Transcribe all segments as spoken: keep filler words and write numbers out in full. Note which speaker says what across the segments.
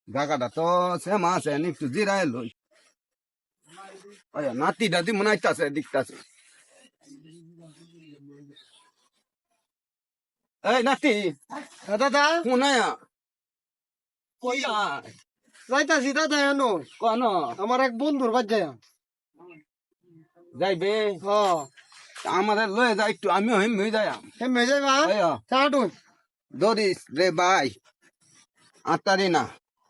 Speaker 1: জায়গাটা তো সেম আছে একটু জিরায় লই নাতি দাদি মনে হইতাছে দিকতাছে এই নাতি
Speaker 2: দাদা
Speaker 1: শুনায়া
Speaker 2: কই যাইতাছি দাদা এনো
Speaker 1: কোন
Speaker 2: আমার এক বন্ধুর বাদ যায়
Speaker 1: যাইবে
Speaker 2: হ
Speaker 1: আমাদের লয়ে যাই একটু আমিও হিম হয়ে যাই
Speaker 2: কেমনে যাইবা চাটুন
Speaker 1: দরিস রে ভাই আতারি না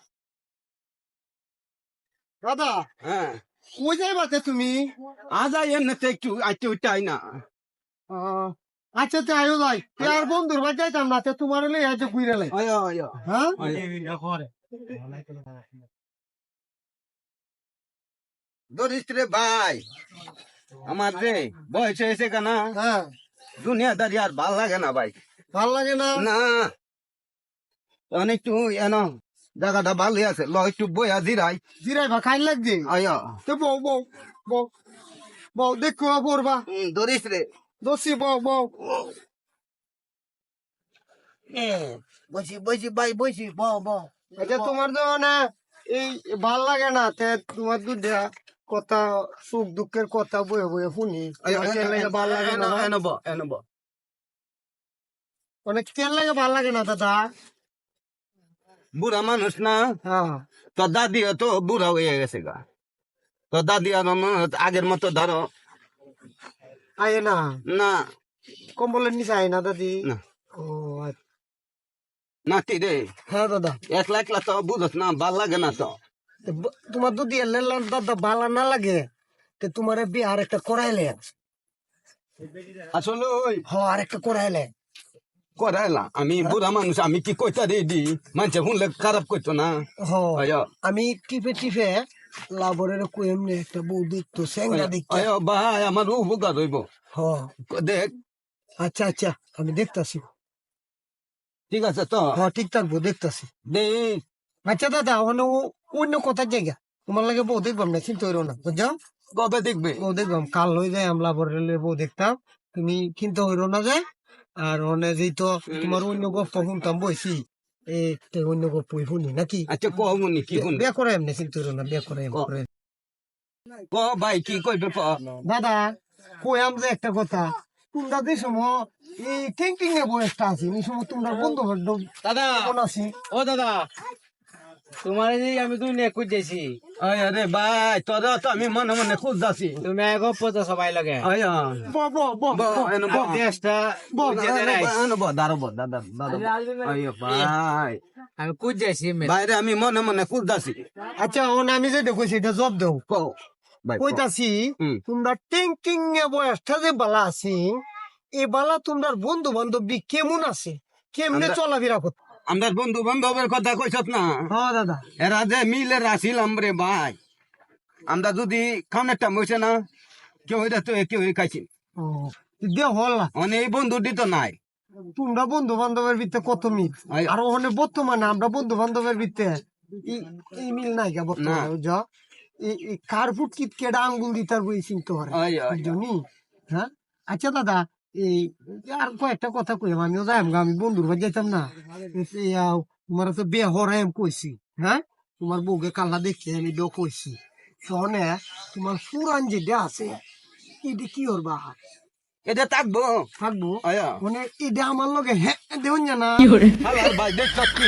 Speaker 2: দাদা
Speaker 1: হ্যাঁ
Speaker 2: কই যাইবা তে তুমি
Speaker 1: আজ আই এমনিতে একটু আইতে উঠতে আই না
Speaker 2: আহ, আচ্ছা তে আয়ো যাই তে আর বন্ধুর বাদ যাইতাম না তে তোমার লই আইতে ঘুরে লাই
Speaker 1: আয় আয়
Speaker 2: হ্যাঁ
Speaker 1: দরিস রে ভাই আমার রে বয়স হয়েছে কেনা
Speaker 2: হ্যাঁ
Speaker 1: দুনিয়াদারি আর ভাল লাগে না ভাই
Speaker 2: ভাল লাগে না
Speaker 1: না তখন একটু এন জায়গাটা ভালো আছে ল একটু বইয়া জিরাই
Speaker 2: জিরাইবা খাই লাগছে
Speaker 1: আয়
Speaker 2: তো বউ বউ বউ বউ দেখো পড়বা
Speaker 1: দরিস রে
Speaker 2: দোষী বউ বউ
Speaker 1: বসি বসি ভাই বসি ব ব
Speaker 2: আচ্ছা তোমার তো না এই ভাল লাগে না তে তোমার দুধা কথা সুখ দুঃখের কথা বয়ে বয়ে শুনি ভাল লাগে না
Speaker 1: এনব এনব
Speaker 2: অনেক তেল লাগে ভাল লাগে না দাদা
Speaker 1: বুড়া মানুষ না
Speaker 2: হ্যাঁ
Speaker 1: তোর দাদি তো বুড়া হয়ে গেছে গা তোর দাদি আর আগের মতো ধরো
Speaker 2: আয় না
Speaker 1: না
Speaker 2: কম্বলের নিচে আয় না দাদি
Speaker 1: না
Speaker 2: ও আচ্ছা।
Speaker 1: নাতি রে
Speaker 2: হ্যাঁ দাদা
Speaker 1: একলা একলা তো বুঝস না ভাল লাগে না তো
Speaker 2: তো ব- তোমার দুধ এলে দাদা ভালো না লাগে তো তোমার বিয়ে আর একটা করাইলে
Speaker 1: আসলে ওই
Speaker 2: হ আর একটা করাইলে
Speaker 1: করাইলা আমি বুড়া মানুষ আমি কি কইতা রে দি মানুষে শুনলে খারাপ করতো না
Speaker 2: হ
Speaker 1: আয়
Speaker 2: আমি টিপে টিপে লাবরের কুয়েমনে একটা বউ দেখতো স্যাংরা দেখতো
Speaker 1: আয় ভাই আমার উপকার হইব
Speaker 2: হ
Speaker 1: দেখ
Speaker 2: আচ্ছা আচ্ছা আমি দেখতাছি
Speaker 1: ঠিক আছে তো
Speaker 2: হ ঠিক থাকবো দেখতাছি
Speaker 1: দেখ
Speaker 2: আচ্ছা দাদা ওখানে ও- অন্য কথার জায়গা তোমার লাগে বউ দেখবাম না চিন্তা হইরো না বুঝছো
Speaker 1: কবে দেখবে
Speaker 2: বউ দেখবাম কাল হয়ে যায় আমলা বরের বউ দেখতাম তুমি চিন্তা হইরো না যায় আর অনে যেই তো তোমার অন্য গপ্প শুনতাম বইছি এই তে অন্য গপ্প শুনি নাকি
Speaker 1: আচ্ছা কমনি কি শুন
Speaker 2: বিয়া করে এমনি চিন্তা হইরো না বিয়া করে এমনি
Speaker 1: ক-
Speaker 2: করে
Speaker 1: ক ভাই কি কইবে ক
Speaker 2: দাদা কইয়াম যে একটা কথা তোমরা যে সময় এই থিঙ্কিং এ বয়সটা আছি এই সময় তোমরা বন্ধু বান্ধব
Speaker 3: দাদা
Speaker 2: কোন আছি
Speaker 3: ও দাদা তোমার যে আমি তুই নে খুঁজেছি
Speaker 1: আয় রে ভাই তোরা তো আমি মনে মনে খুঁজতাছি
Speaker 3: তুমি এক পথ সবাই লাগে
Speaker 1: আয়
Speaker 2: ব ব ব
Speaker 1: ব এনো ব
Speaker 3: দেশটা
Speaker 1: এনো ব দাঁড়ো ব দাদা দাদা আয় ভাই
Speaker 3: আমি খুঁজেছি
Speaker 1: বাইরে আমি মনে মনে খুঁজতাছি
Speaker 2: আচ্ছা ওন আমি যে দেখো সেটা জব দেও
Speaker 1: ক ভাই ক।
Speaker 2: কইতাছি
Speaker 1: হুম।
Speaker 2: তোমরা থিঙ্কিং এ বয়সটা যে বালা আছি এই বালা তোমরা বন্ধু বান্ধব কেমন আছে কেমনে
Speaker 1: আমরা-
Speaker 2: চলাফেরা করতে
Speaker 1: আমার বন্ধু বান্ধবের কথা কইছত না
Speaker 2: হ্যাঁ দাদা
Speaker 1: এরা যে মিলে রাখিলাম রে ভাই আমরা যদি খাওয়ানোর টাইম হয়েছে না কেউ এটা তো কেউ খাইছি
Speaker 2: ও দিয়ে হল না
Speaker 1: মানে এই বন্ধুটি তো নাই
Speaker 2: তোমরা বন্ধু বান্ধবের ভিতরে কত মিল
Speaker 1: আয়-
Speaker 2: আর ওখানে বর্তমানে আমরা বন্ধু বান্ধবের ভিতরে ই- এই মিল নাই গা বর্তমানে
Speaker 1: না।
Speaker 2: বুঝছো এই এই কার ফুট কিট কেডা আঙ্গুল দিতার বই চিনতে পারে
Speaker 1: আয়, আয়,
Speaker 2: বুঝছনি হ্যাঁ আচ্ছা দাদা এই আর কয়েকটা কথা কইম আমিও যাইম গা, আমি বন্ধুর বাড়ি যাইতাম না এই, আহ, তোমার তো বিয়ে হরাই আমি কইছি হ্যাঁ তোমার বউকে কাল্লা দেখছি আমি বিয়ে কইছি শোনে তোমার পুরান যেটা আছে এটা কি করবা
Speaker 1: এটা থাকবো
Speaker 2: থাকবো
Speaker 1: আয়া
Speaker 2: মানে এটা আমার লগে হ্যাঁ দেউন না
Speaker 1: হালার ভাই দেখছ কি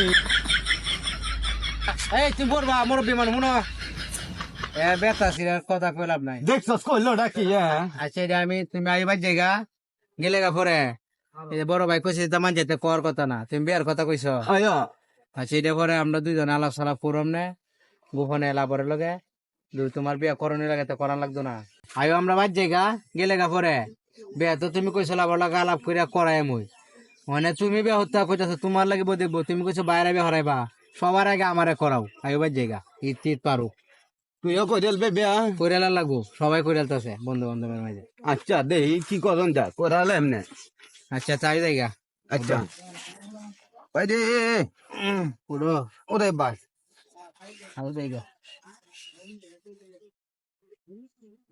Speaker 3: এই তুমি বলবা মোর বিমান শুনো এ বেতা সিরার কথা কইলাম নাই
Speaker 1: দেখছ কইলো ডাকি হ্যাঁ
Speaker 3: আচ্ছা এটা আমি তুমি আইবার জায়গা গেলে গা পরে এই যে বড় ভাই কইছে তেমন যেতে কর কথা না তুমি বিয়ার কথা কইছো
Speaker 1: আয়া
Speaker 3: আচ্ছা এটা পরে আমরা দুইজন আলাপ সালাপ করম নে গোপনে এলাপরের লগে দুই তোমার বিয়া করণের লাগে তো করান লাগতো না আইও আমরা বাদ জায়গা গেলে গা পরে বিয়া তো তুমি কইছো আবার লাগে আলাপ করিয়া করাই মুই মানে তুমি বিয়া হত্যা কইতাছো তোমার লাগিব দেখবো তুমি কইছো বাইরে বিয়া হরাইবা সবার আগে আমারে করাও আইও বাদ জায়গা ঈদ ঈদ পারো
Speaker 1: তুইও কইল বে বিয়া
Speaker 3: কইরালা লাগবো সবাই কইরালতাছে বন্ধু বান্ধবের মাঝে
Speaker 1: আচ্ছা দেই কি করন যা করালে এমনে
Speaker 3: আচ্ছা চাই জায়গা
Speaker 1: আচ্ছা ভাই রে
Speaker 3: পুরো
Speaker 1: ওরে ভাই
Speaker 3: আরো জায়গা